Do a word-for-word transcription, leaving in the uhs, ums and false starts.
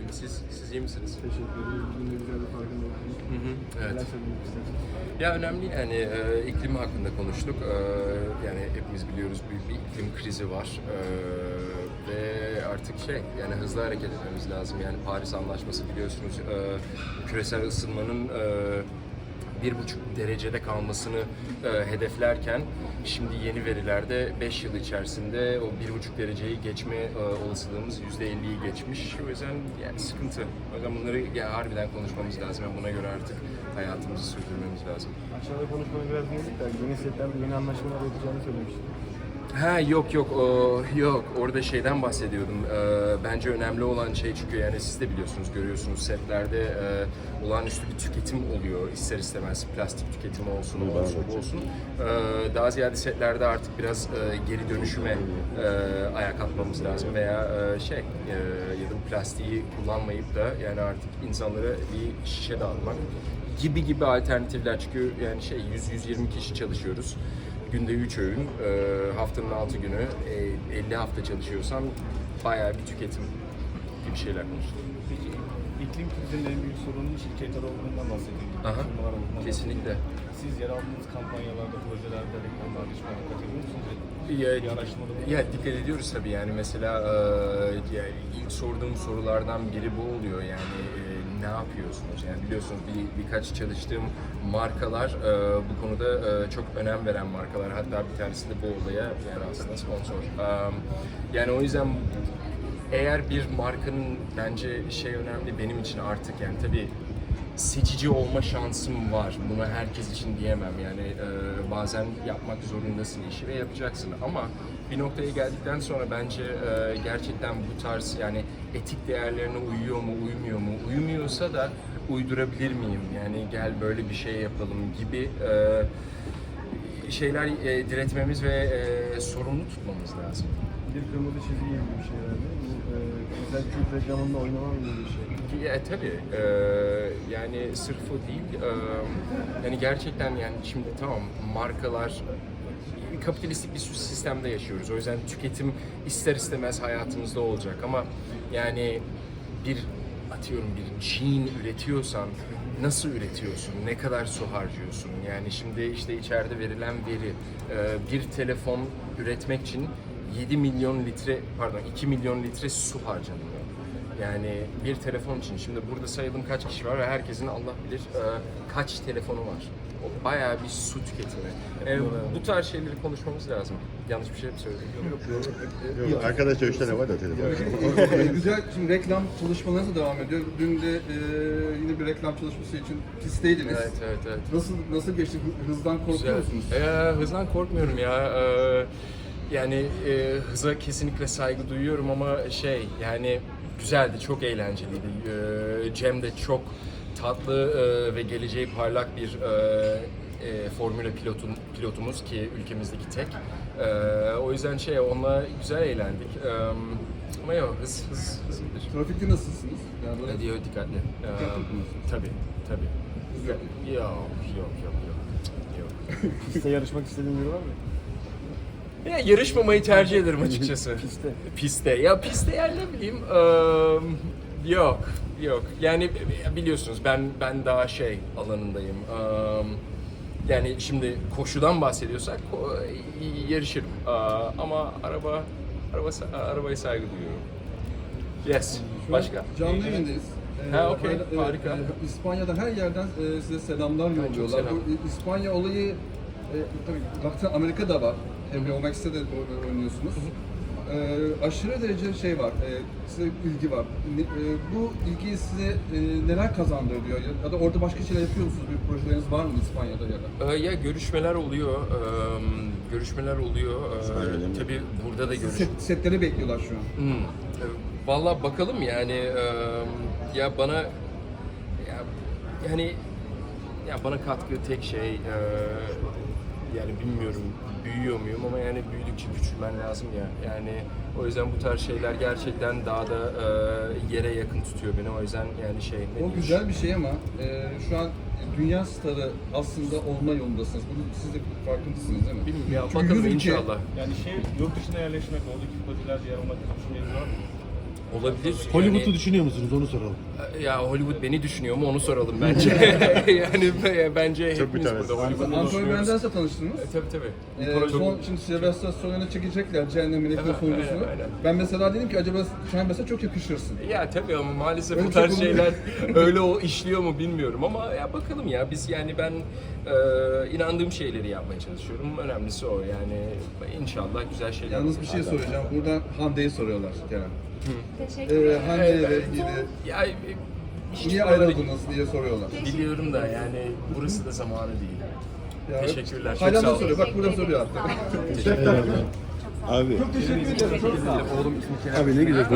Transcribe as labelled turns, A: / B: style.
A: iyiyim. Siz, siz iyi misiniz?
B: Teşekkür ederim. Bugün de güzel bir farkındalık.
A: Hı hı, evet.
B: Neler söylemek istersiniz?
A: Ya önemli yani e, iklim hakkında konuştuk. E, yani hepimiz biliyoruz büyük bir iklim krizi var. E, ve artık şey yani hızlı hareket etmemiz lazım. Yani Paris Anlaşması biliyorsunuz e, küresel ısınmanın e, bir buçuk derecede kalmasını e, hedeflerken şimdi yeni verilerde beş yıl içerisinde o bir buçuk dereceyi geçme e, olasılığımız yüzde elliyi geçmiş. O yüzden yani sıkıntı. O yüzden bunları ya, harbiden konuşmamız lazım. Yani buna göre artık hayatımızı sürdürmemiz lazım.
B: Aşağıda konuşmamız biraz yedik de yeni setlerde yeni anlaşmalar yapacağını söylemiştim.
A: Ha yok yok o yok orada şeyden bahsediyordum. Ee, bence önemli olan şey çünkü yani siz de biliyorsunuz görüyorsunuz setlerde e, olağanüstü bir tüketim oluyor ister istemez plastik tüketimi olsun o olsun bu olsun. Ee, daha ziyade setlerde artık biraz e, geri dönüşüme e, ayak atmamız lazım veya e, şey e, ya da bu plastiği kullanmayıp da yani artık insanlara bir şişe dağıtmak gibi gibi alternatifler çünkü yani şey yüz yüz yirmi kişi çalışıyoruz. Günde üç öğün, e, haftanın altı günü, e, elli hafta çalışıyorsam bayağı bir tüketim gibi şeyler konuştuk.
C: Peki iklim krizinin en büyük sorunun şirketler olduğundan bahsediyoruz.
A: Aha, kesinlikle.
C: Siz yer aldığınız kampanyalarda, projelerde, reklamlarda hiç dikkat ediyor musunuz?
A: Ya,
C: Bir araştırmada bulundunuz mu?
A: ya dikkat ediyoruz tabii yani mesela e, yani ilk sorduğum sorulardan biri bu oluyor yani e, ne yapıyorsunuz? Yani biliyorsunuz bir, birkaç çalıştığım markalar e, bu konuda e, çok önem veren markalar hatta bir tanesi de bu olaya yani aslında sponsor. E, yani o yüzden eğer bir markanın bence şey önemli benim için artık yani tabii seçici olma şansım var. Bunu herkes için diyemem yani e, bazen yapmak zorundasın işi ve yapacaksın ama bir noktaya geldikten sonra bence e, gerçekten bu tarz yani etik değerlerine uyuyor mu uymuyor mu uymuyorsa da uydurabilir miyim yani gel böyle bir şey yapalım gibi e, şeyler e, diretmemiz ve e, sorumlu tutmamız lazım.
B: Bir kırmızı çizgi gibi bir şey herhalde. Bu e, güzel Türk reklamında oynamam gibi bir şey.
A: Ya tabii e, yani sırf o değil e, yani gerçekten yani şimdi tamam markalar kapitalistik bir sistemde yaşıyoruz o yüzden tüketim ister istemez hayatımızda olacak ama yani bir atıyorum bir jean üretiyorsan nasıl üretiyorsun, ne kadar su harcıyorsun yani şimdi işte içeride verilen veri e, bir telefon üretmek için yedi milyon litre pardon iki milyon litre su harcanıyor. Yani bir telefon için şimdi burada sayalım kaç kişi var ve herkesin Allah bilir e, kaç telefonu var. O bayağı bir su tüketimi. E, bu tarz şeyleri konuşmamız lazım. Yanlış bir şey mi söyledim? Yok.
D: Yok, arkadaşlar üç tane var da telefon.
E: Ee, güzel. Şimdi reklam çalışmalarınız da devam ediyor. Dün de e, yine bir reklam çalışması için pistteydiniz.
A: Evet, evet, evet.
E: Nasıl nasıl geçti? Hı- Hızdan korkuyor
A: Güzel.
E: musunuz?
A: Ee, hızdan korkmuyorum ya. Ee, yani e, hıza kesinlikle saygı duyuyorum ama şey yani güzeldi, çok eğlenceliydi. Ee, Cem de çok tatlı e, ve geleceği parlak bir e, e, Formula pilotun, pilotumuz ki ülkemizdeki tek. E, o yüzden şey onunla güzel eğlendik. E, ama yok hız hız hız iyidir.
E: Trafikte nasılsınız? Yani böyle
A: Ne diyor dikkatli. E, tabii tabii. Yok yok yok yok yok. yok.
B: Piste yarışmak istediğin biri var mı?
A: Ya yarışmamayı tercih ederim açıkçası.
B: Piste.
A: Piste. Ya piste yani ne bileyim. eee, yok. Yok. Yani biliyorsunuz ben ben daha şey alanındayım. Eee, yani şimdi koşudan bahsediyorsak ko- yarışırım. Eee, ama araba araba arabaya saygı duyuyorum. Yes.
E: şu an
A: Başka?
E: canlı yayındayız. Ee,
A: Ha, okey.
E: evet,
A: Harika.
E: e, İspanya'dan her yerden e, size selamlar
A: çok
E: yolluyorlar.
A: selam.
E: Bu e, İspanya olayı e, tabii baktığında Amerika'da var. Hem O Max'te de o- oynuyorsunuz. E, aşırı derece şey var, e, size ilgi var. Ne- e, bu ilgi size e, neler kazandırıyor? Ya, ya da orada başka şeyler yapıyor musunuz? Bir projeleriniz var mı İspanya'da ya da?
A: Ee, Ya görüşmeler oluyor. Eee, görüşmeler oluyor. Eee, tabii burada da görüş.
E: Set, setleri bekliyorlar şu an.
A: Hmm. E, Vallahi bakalım yani e, ya bana ya, yani ya bana katkı tek şey e, yani bilmiyorum büyüyor muyum ama yani büyüdükçe küçülmen lazım ya yani o yüzden bu tarz şeyler gerçekten daha da e, yere yakın tutuyor beni o yüzden yani şey ne
E: O
A: diyeyim?
E: güzel bir şey ama e, şu an dünya starı aslında olma yolundasınız. Bunu siz de farkındasınız değil mi?
A: Bilmiyorum ya
E: Çünkü
A: bakalım
E: yüz ülke-
A: inşallah.
C: Yani şey yurt dışına yerleşmek, oradaki projelerde yer almak gibi düşünceniz var mı?
A: olabilir.
D: Hollywood'u
A: Yani-
D: düşünüyor musunuz? Onu soralım.
A: Ya Hollywood beni düşünüyor mu onu soralım bence. yani b- bence
D: Çok
A: hepimiz
D: mütevazı.
A: burada Hollywood'u
E: Anthony
A: düşünüyoruz.
E: Banders'la tanıştınız.
A: E, tabii tabii.
E: Ee, son, şimdi Sylvester Stallone'la çekecekler Cehennem Melek'in
A: Evet,
E: sonuncusunu.
A: aynen, aynen.
E: Ben mesela dedim ki acaba sen mesela çok yakışırsın.
A: Ya tabii ama maalesef
E: Öyle
A: bu
E: bir şey
A: tarz
E: olmuyor.
A: şeyler öyle o işliyor mu bilmiyorum ama ya bakalım ya biz yani ben e, inandığım şeyleri yapmaya çalışıyorum. Önemlisi o yani inşallah güzel şeyler.
E: Yalnız bir şey soracağım. Buradan Hande'yi soruyorlar Kerem.
F: Teşekkür
E: Ee,
F: ederim.
E: Hande ile
A: Evet.
E: ilgili
A: Ya e, hiç
E: niye
A: buraları
E: ayrıldınız diye soruyorlar.
A: biliyorum da yani burası da zamanı değil.
E: Ya,
A: Teşekkürler, çok
E: Hala
A: sağ
E: da
A: olun.
E: soruyor. Bak burada soruyor
F: Sağ
E: hatta.
F: olun.
D: Abi.
E: Çok teşekkür ederim. Çok sağ olun.
D: Abi ne güzel.